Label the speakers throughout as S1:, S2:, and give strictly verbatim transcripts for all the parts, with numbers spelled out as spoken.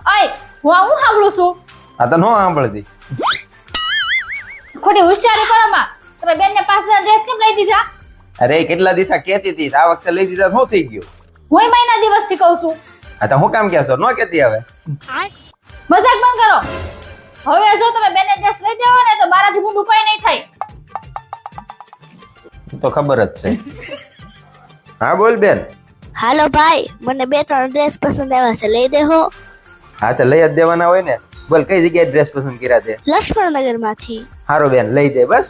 S1: અય હું આ હું સાંભળું છું
S2: આ તો નો સાંભળતી.
S1: ખોટી હોશિયારી કરો માં તમે બેન ને પાસે ડ્રેસ કેમ લઈ દીધા
S2: અરે કેટલા દીથા કેતી હતી આ વખતે લઈ દીધા શું થઈ ગયું?
S1: હું મહિના દિવસથી કહું છું
S2: આ તો હું કામ કહેશો નો કેતી હવે.
S1: મજાક બંધ કરો હવે જો તમે બેન ને ડ્રેસ લઈ દેવો ને તો મારાથી મૂંડું કોઈ નહીં થાય
S2: તો ખબર જ છે. હા બોલ બેન.
S3: હાલો ભાઈ, મને બે ત્રણ ડ્રેસ પસંદ આવ્યા છે, લઈ દેહો.
S2: હા તો લઈ જ દેવાના હોય ને. બોલ કઈ જગ્યાએ ડ્રેસ પસંદ કર્યા તે?
S3: લક્ષ્મણનગર માંથી.
S2: હારો બેન લઈ દે બસ.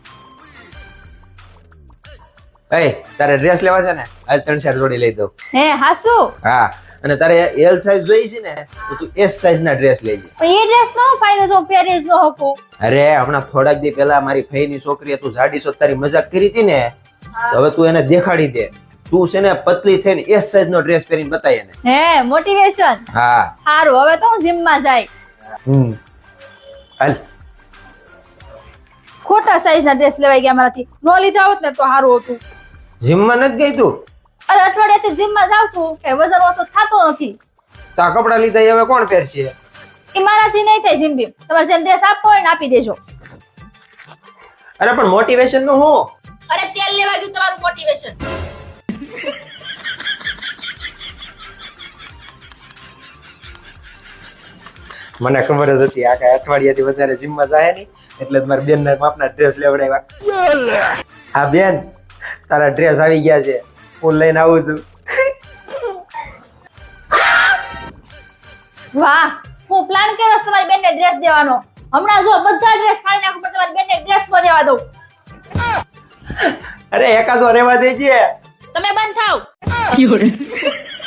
S2: એ તારે ડ્રેસ લેવા છે ને આજ ત્રણ ચાર જોડી લઈ દઉં.
S1: હે હાસુ
S2: હા અને તારે એલ સાઈઝ જોઈ છે ને તો તું એસ સાઈઝ ના ડ્રેસ લેજે.
S1: પણ એ ડ્રેસ નો ફાયદો જો પહેરી જ ન હકો.
S2: અરે હમણાં થોડાક દી પહેલા મારી ફઈની છોકરીએ તું જાડી છો તારી મજાક કરી હતી ને તો હવે તું એને દેખાડી દે. તું છે ને પતલી થઈને એસ સાઈઝ નો ડ્રેસ પહેરીને બતાય એને.
S1: હે મોટિવેશન.
S2: હા
S1: સારું હવે તો હું જીમ માં જાય.
S2: હમ હાલ.
S1: ખોટા સાઈઝ ના ડ્રેસ લેવાઈ ગયા મારાથી. નો લીધા હોત ને તો સારું હતું.
S2: જીમ માં નથી ગઈ તું?
S1: અરે અઠવાડિયાથી જીમ માં જાઉં છું કે વજન ઓછો થતો નથી.
S2: તો આ કપડા લીધા એ હવે કોણ પહેરશે?
S1: એ મારાથી નહીં થાય જીમ બીમ. તમારે જેમ ડ્રેસ આપવો હોય ને આપી દેજો.
S2: અરે પણ મોટિવેશન નું હું?
S1: અરે તેલ લેવા ગયું તમારું મોટિવેશન.
S2: મને ખબર જ હતી આ કઈ અઠવાડિયાથી વધારે જીમ માં જાય નહીં એટલે મારા બેન ના માપના ડ્રેસ લેવડાવ્યા. હા બેન તારા ડ્રેસ આવી ગયા છે, હું લઈને આવું છું.
S1: વાહ હું પ્લાન કર્યો છે તમારી બેનને ડ્રેસ દેવાનો. હમણાં જો બધા ડ્રેસ ફાડી નાખું પણ તમારી બેનને ડ્રેસ માં દેવા દઉં.
S2: અરે એકાદો રહેવા દેજે.
S1: તમે બંધ થાવ.